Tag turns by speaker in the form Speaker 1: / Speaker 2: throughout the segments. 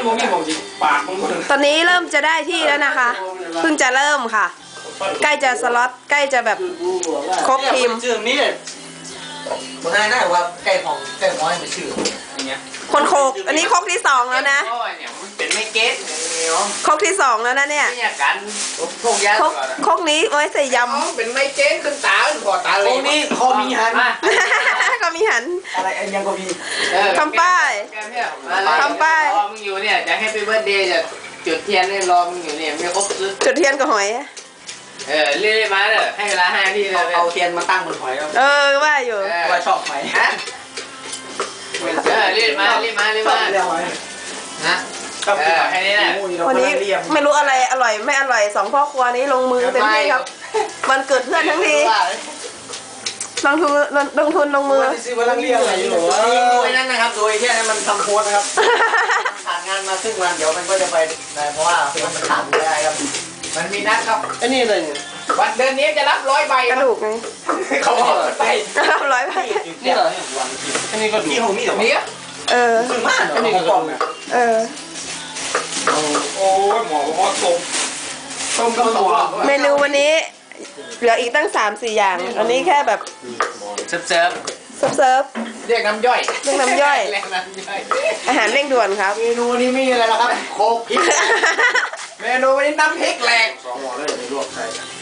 Speaker 1: มนี่ผมจิปากมึง
Speaker 2: ตอนนี้เริ่มจะได้ที่แล้วนะคะเพิ่งจะเริ่มค่ะใกล้จะสล็อตใกล้จะแบบครบทีม
Speaker 3: ชื่อนี้เลยคนนั้นน่าว่าใกล้ของให้มันชื่ออย่างเงี้ย
Speaker 2: คนโคกอันนี้โคกที่2แล้วนะ
Speaker 1: เป็นไม่เก็ต
Speaker 2: โคกที่2แล้วนะเนี่ย
Speaker 1: เนี่ยกันพวกยา
Speaker 2: โคกนี้ไว้ใส่ย
Speaker 1: เป็นไม่เก็ตขึ้นตาพอตาเลย
Speaker 3: ตรงนี้คอมีหัน
Speaker 2: ำ ก็มีหัน
Speaker 3: อะไรยังก็มี
Speaker 2: ทำป้าย
Speaker 1: รอมึงอยู่เนี่ยจะให้เป็นเบิร์ดเดย์จะจุดเทียนให้รอมึงอยู่เนี่ยไม่ครบ
Speaker 2: จุดเทียนกับหอย
Speaker 1: เรื่อยๆมาเด้อให้เวลา5 นาทีเลย
Speaker 3: เอาเทียนมาตั้งบนหอยแล้ว
Speaker 2: ว่าอยู่
Speaker 3: ว่าชอบหอย
Speaker 1: ฮะรีบมา
Speaker 3: เรียกหอย
Speaker 1: นะแค่นี้แหละ
Speaker 2: วันนี้ไม่รู้อะไรอร่อยไม่อร่อย2พ่อครัวนี้ลงมือเต็มที่ครับวันเกิดเพื่อนทั้งทีลงทุนลงมือ
Speaker 3: ซื้อมาลังเรียกอะไรอยู่โดยนั้นนะครับโดยที่มันทำโพสนะครับผ่านงานมาครึ่งวันเดี๋ยวมันก็จะไปได้เพราะว่ามันขาดไม่ได้ครับ
Speaker 1: มันมีนัดครับ
Speaker 3: ไอ้นี่เลย
Speaker 1: วันเดือนนี้จะรับ100 ใบ
Speaker 2: กระดูกไง
Speaker 1: เขาบอกไป
Speaker 2: 100 ใบ
Speaker 3: นี่เหรออันนี้ก็ดูที่ของนี่เหรอ
Speaker 1: นี่
Speaker 3: คือมากอันนี้ก็กล่องเนี่ย
Speaker 1: โอ้ยหมอต้มตัว
Speaker 2: เมนูวันนี้เหลืออีกตั้ง 3-4 อย่างอันนี้แค่แบบ
Speaker 1: เซิร์ฟ
Speaker 2: เซิร์ฟ
Speaker 1: เรียกน้ำย่อย
Speaker 2: เรียกน้ำย่อย
Speaker 1: เรียกน้ำย่อย
Speaker 2: อาหารเร่งด่วนครับ
Speaker 3: เมนูนี้มีอะไรล่ะครับโคกพริก
Speaker 1: เมนูวันนี้น้ำพริกแหลก
Speaker 3: 2 หม้อเลยในลวกใส่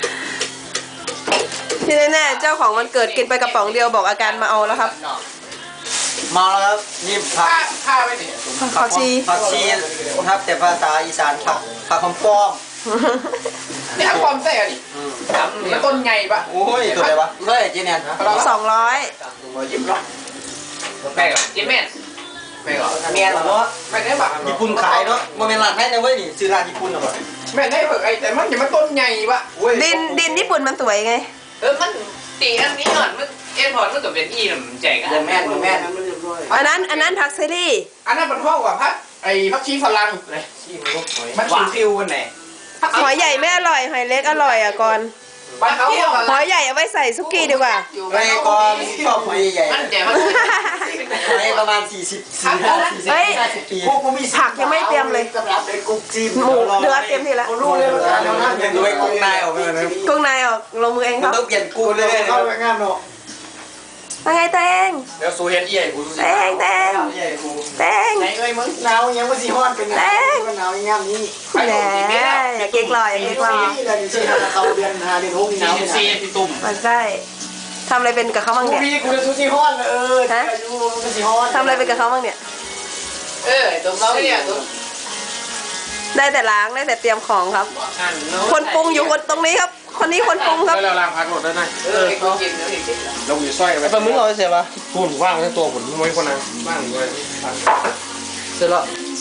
Speaker 2: ที่แน่ๆเจ้าของวันเกิดกินไปกระป๋องเดียวบอกอาการมาเอาแล้วครับ
Speaker 3: มาแล้วครับนี่ผัก
Speaker 1: ผ้าไว้นี่
Speaker 2: ผักชี
Speaker 3: ผักชีครับแต่ภาษาอีสานผักคำป้อม
Speaker 1: นี่ทำความใส่อะไรมันต้นใหญ่ปะ
Speaker 3: โอ้ยตัวอะไรวะเฮ้ยเจเนียนนะ
Speaker 2: 200
Speaker 1: ยิ้มร้อยแม่ก่อนยิ้มแม่แม่ก่อน
Speaker 3: เมียนเหรอ
Speaker 1: แม่ได้ปะ
Speaker 3: ญี่ปุ่นขายเนาะมันเป็นร้านให้นะเว้ยนี่ซื้อร้านญี่ปุ่นเหรอ
Speaker 1: แม่ได้เผือกไอ้แต่มันอย่ามาต้นใหญ่ปะ
Speaker 2: ดินญี่ปุ่นมันสวยไง
Speaker 1: มันตีอันนี้ก่อนมันเอ็นพอร์ตมันกับเป็นอีน่ะมันใจกัน
Speaker 3: แม่น
Speaker 2: อันนั้นผักเซรี่
Speaker 1: อันนั้นเป็นห้องกว่าพักไอ้พักชีฝรั่งเลยมันชิวฟิวกันไหน
Speaker 2: หอยใหญ่ไม่อร่อยหอยเล็กอร่อยอ่ะก่อน
Speaker 1: บ้านเขา
Speaker 2: หอยใหญ่เอาไว้ใส่ซุกี้ดีกว่า
Speaker 3: ไอ้กอนชอบหอยใหญ่
Speaker 1: มันแต่มัน
Speaker 3: หอยประมาณ40-50 ปี
Speaker 2: ผักยังไม่เตรียมเลย
Speaker 3: สำหรับไอ้กุ๊กจีน
Speaker 2: หมูเนื้อเตรียมทีละ
Speaker 3: รู้เลยว่ายังดูไอ้กุ้งนายออกมาเลย
Speaker 2: กุ้งนายออกลงมือเองครับ
Speaker 3: ต้องเปลี่ยนกุ้งเลยเข้าไปงานเนาะ
Speaker 2: ว่าไงเตง
Speaker 1: เดี๋ยวซูเฮนเอี่ยกู
Speaker 2: เตง
Speaker 3: ใหญ่กู
Speaker 2: เตง
Speaker 1: ไหนเอ้ยมึง
Speaker 3: หนาวยังไม่สีฮ้อนเป็นหนาวงามนี้
Speaker 2: แหมอย่าเก๊กลอยอย่าเก๊กลอย
Speaker 3: นี่เลยที่เขาเดือน5 เดือน6หนาว
Speaker 1: ซีที่ตุ่ม
Speaker 2: มันใช่ทำอะไรเป็นกับเขาบ้างเนี่ย
Speaker 3: พี่กูจะซูชิฮ้อนอายุมันสีฮ้อน
Speaker 2: ทำอะไรเป็นกับเขาบ้างเนี่ย
Speaker 1: ตุ่มเราเนี่ยตุ่ม
Speaker 2: ได้แต่ล้างได้แต่เตรียมของครับ คนปรุงอยู่คนตรงนี้ครับ คนนี้คนปรุงครับ
Speaker 1: แล้วล้างพักหมดได้ไหมกูกินแล้วอีกลงอยู่สร้อยไป
Speaker 3: ปลาหมึกเราเสียปะ
Speaker 1: พูดว่างทั้งตัวผมไม่คนนั้นว่างด้วย
Speaker 3: เสร็จแล้ว